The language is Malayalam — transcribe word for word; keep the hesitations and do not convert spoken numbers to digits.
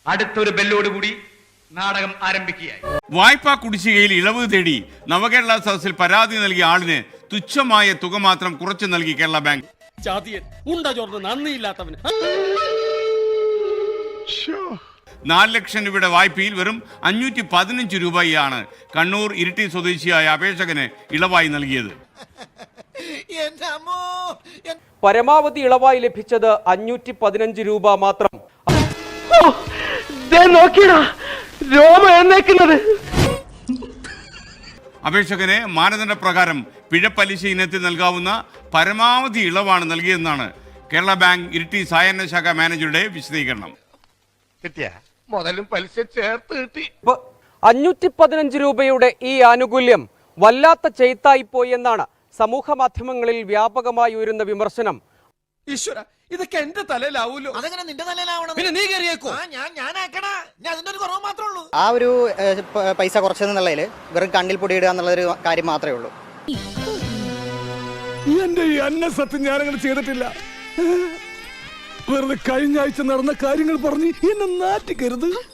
അടുത്തൊരു ബെല്ലോടുകൂടി നാടകം ആരംഭിക്കുകയായി. വായ്പാ കുടിശ്ശികയിൽ ഇളവ് തേടി നവകേരള സദസ്സിൽ പരാതി നൽകിയ ആളിന് തുച്ഛമായ തുക മാത്രം കുറച്ചു നൽകി കേരള ബാങ്ക്. നാല് ലക്ഷം രൂപയുടെ വായ്പയിൽ വെറും അഞ്ഞൂറ്റി പതിനഞ്ച് രൂപയാണ് കണ്ണൂർ ഇരിട്ടി സ്വദേശിയായ അപേക്ഷകന് ഇളവായി നൽകിയത്. പരമാവധി ഇളവായി ലഭിച്ചത് അഞ്ഞൂറ്റി പതിനഞ്ച് രൂപ മാത്രം. അപേക്ഷകന് മാനദണ്ഡ പ്രകാരം പിഴപ്പലിശ ഇനത്തിൽ നൽകാവുന്ന പരമാവധി ഇളവാണ് നൽകിയതെന്നാണ് കേരള ബാങ്ക് ഇരിട്ടി സായാഹ്ന ശാഖ മാനേജറുടെ വിശദീകരണം. മുതലും പലിശ ചേർത്ത് കിട്ടി. അഞ്ഞൂറ്റി പതിനഞ്ച് രൂപയുടെ ഈ ആനുകൂല്യം വല്ലാത്ത ചെയ്ത്തായിപ്പോയി എന്നാണ് സമൂഹ മാധ്യമങ്ങളിൽ വ്യാപകമായി ഉയരുന്ന വിമർശനം. ഈശ്വര, ഇതൊക്കെ എന്റെ തലയിലാവൂലോ? അതെങ്ങനെ നിന്റെ തലയിലാവണം? പിന്നെ നീ കയറിയേക്കോ? ഞാൻ ഞാനാക്കണ ഞാൻ അതിന്റെ ഒരു കുറവ് മാത്രമേ ഉള്ളൂ. ആ ഒരു പൈസ കുറച്ചതെന്നുള്ളതിൽ വെറും കണ്ണിൽ പൊടിയിടുക എന്നുള്ളൊരു കാര്യം മാത്രമേ ഉള്ളൂ. എന്റെ ഈ അന്ന സത്യം ഞാനങ്ങനെ ചെയ്തിട്ടില്ല. വെറുതെ കഴിഞ്ഞ ആഴ്ച നടന്ന കാര്യങ്ങൾ പറഞ്ഞ് എന്നെ നാറ്റിക്കരുത്.